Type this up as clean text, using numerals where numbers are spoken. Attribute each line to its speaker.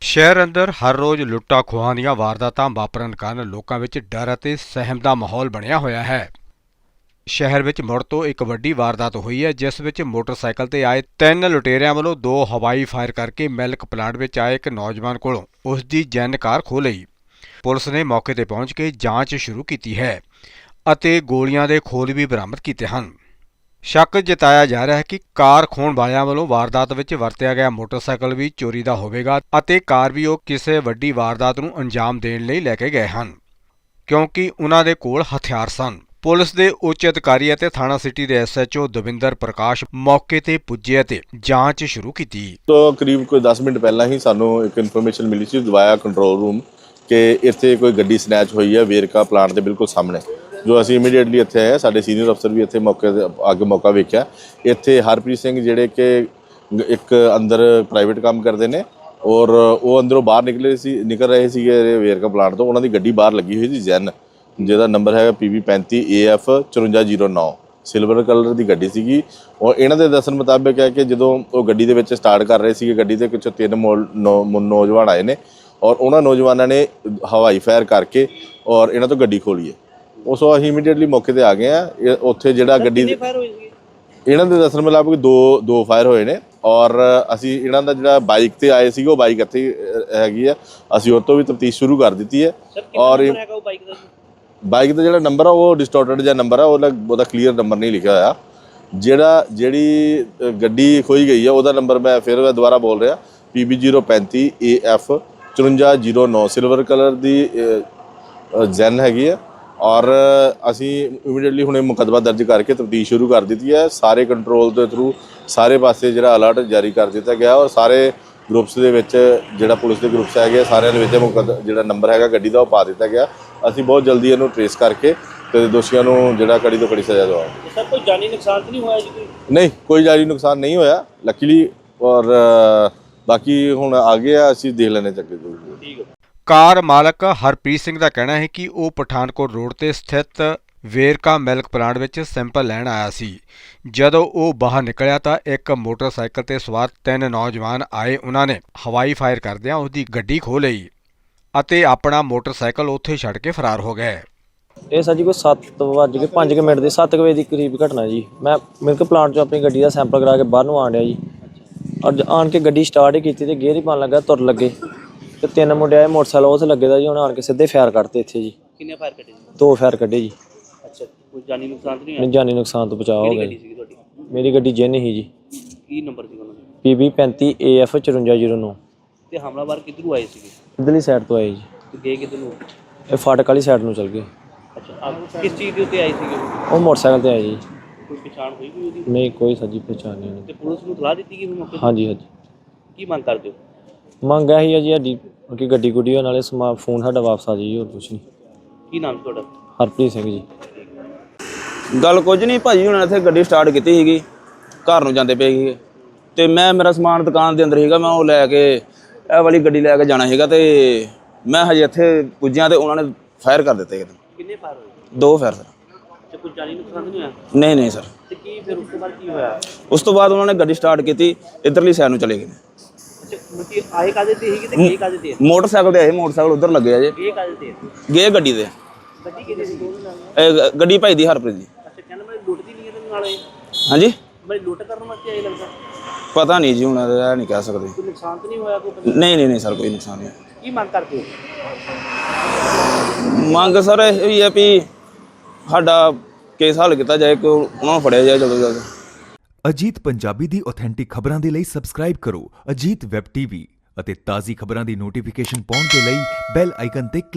Speaker 1: ਸ਼ਹਿਰ ਅੰਦਰ ਹਰ ਰੋਜ਼ ਲੁੱਟਾਂ ਖੋਹਾਂ ਦੀਆਂ ਵਾਰਦਾਤਾਂ ਵਾਪਰਨ ਕਾਰਨ ਲੋਕਾਂ ਵਿੱਚ ਡਰ ਅਤੇ ਸਹਿਮ ਦਾ ਮਾਹੌਲ ਬਣਿਆ ਹੋਇਆ ਹੈ। ਸ਼ਹਿਰ ਵਿੱਚ ਮੁੜ ਤੋਂ ਇੱਕ ਵੱਡੀ ਵਾਰਦਾਤ ਹੋਈ ਹੈ, ਜਿਸ ਵਿੱਚ ਮੋਟਰਸਾਈਕਲ ਤੇ ਆਏ 3 ਲੁਟੇਰਿਆਂ ਵੱਲੋਂ 2 ਹਵਾਈ ਫਾਇਰ ਕਰਕੇ ਮਿਲਕ ਪਲਾਂਟ ਵਿੱਚ ਆਏ ਇੱਕ ਨੌਜਵਾਨ ਕੋਲੋਂ ਉਸ ਦੀ ਜੈਨ ਕਾਰ ਖੋਹ ਲਈ। ਪੁਲਿਸ ਨੇ ਮੌਕੇ ਤੇ ਪਹੁੰਚ ਕੇ ਜਾਂਚ ਸ਼ੁਰੂ ਕੀਤੀ ਹੈ ਅਤੇ ਗੋਲੀਆਂ ਦੇ ਖੋਲ ਵੀ ਬਰਾਮਦ ਕੀਤੇ ਹਨ। ਸ਼ੱਕ ਜਤਾਇਆ ਜਾ ਰਿਹਾ ਹੈ ਕਿ ਕਾਰ ਖੋਹਣ ਵਾਲਿਆਂ ਵੱਲੋਂ ਵਾਰਦਾਤ ਵਿੱਚ ਵਰਤਿਆ ਗਿਆ ਮੋਟਰਸਾਈਕਲ ਵੀ ਚੋਰੀ ਦਾ ਹੋਵੇਗਾ ਅਤੇ ਕਾਰ ਵੀ ਉਹ ਕਿਸੇ ਵੱਡੀ ਵਾਰਦਾਤ ਨੂੰ ਅੰਜਾਮ ਦੇਣ ਲਈ ਲੈ ਕੇ ਗਏ ਹਨ, ਕਿਉਂਕਿ ਉਹਨਾਂ ਦੇ ਕੋਲ ਹਥਿਆਰ ਸਨ। ਪੁਲਿਸ ਦੇ ਉੱਚ ਅਧਿਕਾਰੀ ਅਤੇ ਥਾਣਾ ਸਿਟੀ ਦੇ SHO ਦਵਿੰਦਰ ਪ੍ਰਕਾਸ਼ ਮੌਕੇ ਤੇ ਪੁੱਜੇ ਅਤੇ ਜਾਂਚ ਸ਼ੁਰੂ ਕੀਤੀ।
Speaker 2: ਤੋਂ ਕਰੀਬ ਕੋਈ 10 ਮਿੰਟ ਪਹਿਲਾਂ ਹੀ ਸਾਨੂੰ ਇੱਕ ਇਨਫੋਰਮੇਸ਼ਨ ਮਿਲੀ ਸੀ ਦਵਾਇਆ ਕੰਟਰੋਲ ਰੂਮ ਕਿ ਇੱਥੇ ਕੋਈ ਗੱਡੀ ਸਨੈਚ ਹੋਈ ਹੈ ਵੇਰਕਾ ਪਲਾਂਟ ਦੇ ਬਿਲਕੁਲ ਸਾਹਮਣੇ। ਜੋ ਅਸੀਂ ਇਮੀਡੀਏਟਲੀ ਇੱਥੇ ਆਏ, ਸਾਡੇ ਸੀਨੀਅਰ ਅਫਸਰ ਵੀ ਇੱਥੇ ਮੌਕੇ ਤੇ ਅੱਗੇ ਮੌਕਾ ਵੇਖਿਆ। ਇੱਥੇ ਹਰਪ੍ਰੀਤ ਸਿੰਘ ਜਿਹੜੇ ਕਿ ਇੱਕ ਅੰਦਰ ਪ੍ਰਾਈਵੇਟ ਕੰਮ ਕਰਦੇ ਨੇ ਔਰ ਉਹ ਅੰਦਰੋਂ ਬਾਹਰ ਨਿਕਲ ਰਹੇ ਸੀਗੇ ਵੇਰਕਾ ਪਲਾਂਟ ਤੋਂ। ਉਹਨਾਂ ਦੀ ਗੱਡੀ ਬਾਹਰ ਲੱਗੀ ਹੋਈ ਸੀ ਜੈਨ, ਜਿਹਦਾ ਨੰਬਰ ਹੈਗਾ PB 35 AF 5409, ਸਿਲਵਰ ਕਲਰ ਦੀ ਗੱਡੀ ਸੀਗੀ। ਔਰ ਇਹਨਾਂ ਦੇ ਦੱਸਣ ਮੁਤਾਬਕ ਹੈ ਕਿ ਜਦੋਂ ਉਹ ਗੱਡੀ ਦੇ ਵਿੱਚ ਸਟਾਰਟ ਕਰ ਰਹੇ ਸੀਗੇ, ਗੱਡੀ ਦੇ ਪਿੱਛੋਂ 3 ਨੌਜਵਾਨ ਆਏ ਨੇ ਔਰ ਉਹਨਾਂ ਨੌਜਵਾਨਾਂ ਨੇ ਹਵਾਈ ਫਾਇਰ ਕਰਕੇ ਔਰ ਇਹਨਾਂ ਤੋਂ ਗੱਡੀ ਖੋਲੀ ਹੈ। ਉਸ ਤੋਂ ਅਸੀਂ ਇਮੀਡੀਏਟਲੀ ਮੌਕੇ ਤੇ ਆ ਗਏ ਆ। ਉੱਥੇ ਜਿਹੜਾ ਗੱਡੀ ਇਹਨਾਂ ਦੇ ਦੱਸਣ ਮੁਤਾਬਕ 2 ਫਾਇਰ ਹੋਏ ਨੇ ਔਰ ਅਸੀਂ ਇਹਨਾਂ ਦਾ ਜਿਹੜਾ ਬਾਈਕ ਤੇ ਆਏ ਸੀਗੇ ਉਹ ਬਾਈਕ ਇੱਥੇ ਹੈਗੀ ਆ, ਅਸੀਂ ਉਹ ਤੋਂ ਵੀ ਤਫਤੀਸ਼ ਸ਼ੁਰੂ ਕਰ ਦਿੱਤੀ ਹੈ। ਔਰ ਬਾਈਕ ਦਾ ਜਿਹੜਾ ਨੰਬਰ ਆ ਉਹ ਡਿਸਟੋਰਟਡ ਜਿਹਾ ਨੰਬਰ ਆ, ਉਹਦਾ ਕਲੀਅਰ ਨੰਬਰ ਨਹੀਂ ਲਿਖਿਆ ਹੋਇਆ। ਜਿਹੜੀ ਗੱਡੀ ਖੋਈ ਗਈ ਆ ਉਹਦਾ ਨੰਬਰ ਮੈਂ ਫਿਰ ਦੁਬਾਰਾ ਬੋਲ ਰਿਹਾ, PB 035 AF 5409, ਸਿਲਵਰ ਕਲਰ ਦੀ ਜੈਨ ਹੈਗੀ ਆ। ਔਰ ਅਸੀਂ ਇਮੀਡੀਏਟਲੀ ਹੁਣੇ ਮੁਕੱਦਮਾ ਦਰਜ ਕਰਕੇ ਤਫਤੀਸ਼ ਸ਼ੁਰੂ ਕਰ ਦਿੱਤੀ ਹੈ। ਸਾਰੇ ਕੰਟਰੋਲ ਦੇ ਥਰੂ ਸਾਰੇ ਪਾਸੇ ਜਿਹੜਾ ਅਲਰਟ ਜਾਰੀ ਕਰ ਦਿੱਤਾ ਗਿਆ ਔਰ ਸਾਰੇ ਗਰੁੱਪਸ ਦੇ ਵਿੱਚ ਜਿਹੜਾ ਪੁਲਿਸ ਦੇ ਗਰੁੱਪਸ ਹੈਗੇ ਸਾਰਿਆਂ ਦੇ ਵਿੱਚ ਜਿਹੜਾ ਨੰਬਰ ਹੈਗਾ ਗੱਡੀ ਦਾ ਉਹ ਪਾ ਦਿੱਤਾ ਗਿਆ। ਅਸੀਂ ਬਹੁਤ ਜਲਦੀ ਇਹਨੂੰ ਟਰੇਸ ਕਰਕੇ ਤੇ ਦੋਸ਼ੀਆਂ ਨੂੰ ਜਿਹੜਾ ਕੜੀ ਤੋਂ ਕੜੀ ਸਜ਼ਾ ਦਵਾਵਾਂਗੇ।
Speaker 3: ਸਰ ਕੋਈ ਜਾਨੀ ਨੁਕਸਾਨ ਤਾਂ ਨਹੀਂ ਹੋਇਆ ਜੀ?
Speaker 2: ਨਹੀਂ, ਕੋਈ ਜਾਨੀ ਨੁਕਸਾਨ ਨਹੀਂ ਹੋਇਆ ਲੱਕੀਲੀ। ਔਰ ਬਾਕੀ ਹੁਣ ਆ ਗਏ ਆ, ਅਸੀਂ ਦੇਖ ਲੈਣੇ ਚੱਕੇ ਜੋ।
Speaker 3: ਠੀਕ ਹੈ।
Speaker 1: ਕਾਰ ਮਾਲਕ ਹਰਪ੍ਰੀਤ ਸਿੰਘ ਦਾ ਕਹਿਣਾ ਹੈ ਕਿ ਉਹ ਪਠਾਨਕੋਟ ਰੋਡ ਤੇ ਸਥਿਤ ਵੇਰਕਾ ਮਿਲਕ ਪਲਾਂਟ ਵਿੱਚ ਸੈਂਪਲ ਲੈਣ ਆਇਆ ਸੀ। ਜਦੋਂ ਉਹ ਬਾਹਰ ਨਿਕਲਿਆ ਤਾਂ ਇੱਕ ਮੋਟਰਸਾਈਕਲ ਤੇ ਸਵਾਰ 3 ਨੌਜਵਾਨ ਆਏ। ਉਹਨਾਂ ਨੇ ਹਵਾਈ ਫਾਇਰ ਕਰਦਿਆਂ ਉਸ ਦੀ ਗੱਡੀ ਖੋਹ ਲਈ ਅਤੇ ਆਪਣਾ ਮੋਟਰਸਾਈਕਲ ਉੱਥੇ ਛੱਡ ਕੇ ਫਰਾਰ ਹੋ ਗਏ।
Speaker 4: ਇਹ ਸਰ ਜੀ ਕੋਈ 7:05 ਮਿੰਟ ਦੇ 7 ਵਜੇ ਦੀ ਕਰੀਬ ਘਟਨਾ ਜੀ। ਮੈਂ ਮਿਲਕ ਪਲਾਂਟ 'ਚੋਂ ਆਪਣੀ ਗੱਡੀ ਦਾ ਸੈਂਪਲ ਕਰਾ ਕੇ ਬਾਹਰ ਨੂੰ ਆਣ ਡਿਆ ਜੀ। ਔਰ ਆਣ ਕੇ ਗੱਡੀ ਸਟਾਰਟ ਹੀ ਕੀਤੀ ਤੇ ਗੇਅਰ ਹੀ ਪਾਉਣ ਲੱਗਾ, ਤੁਰ ਲੱਗੇ ਤੇ 3 ਮੁੰਡੇ ਆਏ ਮੋਟਰਸਾਈਕਲ ਉਸ ਲੱਗੇ ਦਾ ਜੀ। ਉਹਨਾਂ ਆਣ ਕੇ ਸਿੱਧੇ ਫਾਇਰ ਕੱਢਤੇ ਇੱਥੇ ਜੀ।
Speaker 3: ਕਿੰਨੇ ਫਾਇਰ ਕੱਢੇ ਜੀ?
Speaker 4: 2 ਫਾਇਰ ਕੱਢੇ ਜੀ।
Speaker 3: ਅੱਛਾ, ਕੋਈ ਜਾਨੀ ਨੁਕਸਾਨ ਤਾਂ ਨਹੀਂ
Speaker 4: ਨਹੀਂ, ਜਾਨੀ ਨੁਕਸਾਨ ਤੋਂ ਬਚਾਅ ਹੋ ਗਿਆ ਜੀ।
Speaker 3: ਤੁਹਾਡੀ
Speaker 4: ਮੇਰੀ ਗੱਡੀ ਜੈਨ ਹੀ ਜੀ।
Speaker 3: ਕੀ ਨੰਬਰ ਸੀ ਉਹਨਾਂ ਦਾ?
Speaker 4: PB 35 AF 5409।
Speaker 3: ਤੇ ਹਮਲਾਵਰ ਕਿੱਧਰੋਂ ਆਏ ਸੀਗੇ?
Speaker 4: ਇੱਧਰਲੀ ਸਾਈਡ ਤੋਂ ਆਏ ਜੀ।
Speaker 3: ਤੇ ਗਏ ਕਿੱਧਰ ਨੂੰ?
Speaker 4: ਇਹ ਫਾਟਕ ਵਾਲੀ ਸਾਈਡ ਨੂੰ ਚਲ ਗਏ।
Speaker 3: ਅੱਛਾ, ਕਿਸ ਚੀਜ਼ ਦੇ ਉੱਤੇ ਆਏ ਸੀਗੇ?
Speaker 4: ਉਹ ਮੋਟਰਸਾਈਕਲ ਤੇ ਆਏ ਜੀ।
Speaker 3: ਕੋਈ ਪਛਾਣ ਹੋਈ ਕੋਈ ਉਹਦੀ?
Speaker 4: ਨਹੀਂ, ਕੋਈ ਸੱਜੀ ਪਛਾਣ ਨਹੀਂ ਉਹਦੀ।
Speaker 3: ਤੇ ਪੁਲਿਸ ਨੂੰ ਸਲਾਹ ਦਿੱਤੀ ਗਈ ਮੌਕੇ ਤੇ?
Speaker 4: ਹਾਂਜੀ ਹਾਂਜੀ।
Speaker 3: ਕੀ ਮੰਗ ਕਰਦੇ ਹੋ?
Speaker 4: ਮੰਗ ਇਹੀ ਹੈ ਜੀ ਸਾਡੀ ਕਿ ਗੱਡੀ ਗੁੱਡੀ ਨਾਲੇ ਫੋਨ ਸਾਡਾ ਵਾਪਸ ਆ ਜਾਈ, ਹੋਰ ਕੁਛ ਨਹੀਂ।
Speaker 3: ਕੀ ਨਾਮ ਤੁਹਾਡਾ?
Speaker 4: ਹਰਪ੍ਰੀਤ ਸਿੰਘ ਜੀ।
Speaker 5: ਗੱਲ ਕੁਝ ਨਹੀਂ ਭਾਜੀ, ਹੁਣ ਇੱਥੇ ਗੱਡੀ ਸਟਾਰਟ ਕੀਤੀ ਸੀਗੀ, ਘਰ ਨੂੰ ਜਾਂਦੇ ਪਏ ਸੀਗੇ ਤੇ ਮੇਰਾ ਸਮਾਨ ਦੁਕਾਨ ਦੇ ਅੰਦਰ ਸੀਗਾ। ਮੈਂ ਉਹ ਲੈ ਕੇ ਇਹ ਵਾਲੀ ਗੱਡੀ ਲੈ ਕੇ ਜਾਣਾ ਸੀਗਾ ਤੇ ਮੈਂ ਹਜੇ ਇੱਥੇ ਪੁੱਜਿਆ ਤੇ ਉਹਨਾਂ ਨੇ ਫਾਇਰ ਕਰ ਦਿੱਤੇ।
Speaker 3: ਕਿੰਨੇ ਫਾਇਰ ਹੋਏ?
Speaker 5: 2 ਫਾਇਰ ਸਰ।
Speaker 3: ਤੇ ਕੋਈ ਜਾਨੀ ਨੁਕਸਾਨ ਤਾਂ ਨਹੀਂ ਹੋਇਆ?
Speaker 5: ਨਹੀਂ ਸਰ।
Speaker 3: ਤੇ ਕੀ ਫਿਰ ਉਸ ਤੋਂ ਬਾਅਦ ਕੀ ਹੋਇਆ?
Speaker 5: ਉਸ ਤੋਂ ਬਾਅਦ ਉਹਨਾਂ ਨੇ ਗੱਡੀ ਸਟਾਰਟ ਕੀਤੀ, ਇੱਧਰਲੀ ਸਾਈਡ ਨੂੰ ਚਲੇ ਗਏ।
Speaker 3: ਅੱਛਾ, ਮੁੱਤੀ ਆਏ ਕਾਦੇ ਤੇ ਸੀਗੇ ਤੇ ਗਏ ਕਾਦੇ ਤੇ?
Speaker 5: ਮੋਟਰਸਾਈਕਲ ਤੇ ਆਏ, ਮੋਟਰਸਾਈਕਲ ਉੱਧਰ ਲੱਗੇ ਆ ਜੇ।
Speaker 3: ਗਏ ਕਾਦੇ ਤੇ?
Speaker 5: ਗਏ ਗੱਡੀ ਤੇ।
Speaker 3: ਗੱਡੀ ਕਿਹਦੀ ਸੀ?
Speaker 5: ਗੱਡੀ ਭਾਈ ਦੀ ਹਰਪ੍ਰੀਤ ਦੀ।
Speaker 3: ਅੱਛਾ, ਕਹਿੰਦਾ ਮੈਂ ਲੁੱਟ ਦੀ ਨਹੀਂ ਇਹਦੇ ਨਾਲ ਆਏ?
Speaker 5: ਹਾਂਜੀ,
Speaker 3: ਮੈਂ ਲੁੱਟ ਕਰਨ ਵਾਸਤੇ ਆਏ ਲੱਗਦਾ।
Speaker 5: ਪਤਾ ਨਹੀਂ ਜੀ, ਹੁਣ ਇਹ ਨਹੀਂ ਕਹਿ ਸਕਦੇ।
Speaker 3: ਕੋਈ ਨੁਕਸਾਨ ਤਾਂ ਨਹੀਂ ਹੋਇਆ ਕੋਈ?
Speaker 5: ਨਹੀਂ ਸਰ, ਕੋਈ ਨੁਕਸਾਨ ਨਹੀਂ।
Speaker 3: ਕੀ ਮੰਗ ਕਰਦੇ ਹੋ?
Speaker 5: ਮੰਗ ਸਰ ਇਹ ਹੈ ਵੀ ਸਾਡਾ ਕੇਸ ਹੱਲ ਕੀਤਾ ਜਾਏ, ਕਿ ਉਹਨਾਂ ਨੂੰ ਫੜਿਆ ਜਾਏ ਜਲਦ ਤੋਂ ਜਲਦ।
Speaker 6: ਅਜੀਤ ਪੰਜਾਬੀ ਦੀ ਆਥੈਂਟਿਕ ਖਬਰਾਂ ਦੇ ਲਈ ਸਬਸਕ੍ਰਾਈਬ ਕਰੋ ਅਜੀਤ ਵੈਬ TV ਅਤੇ ਤਾਜ਼ੀ ਖਬਰਾਂ ਦੀ ਨੋਟੀਫਿਕੇਸ਼ਨ ਪਾਉਣ ਦੇ ਲਈ ਬੈਲ ਆਈਕਨ ਤੇ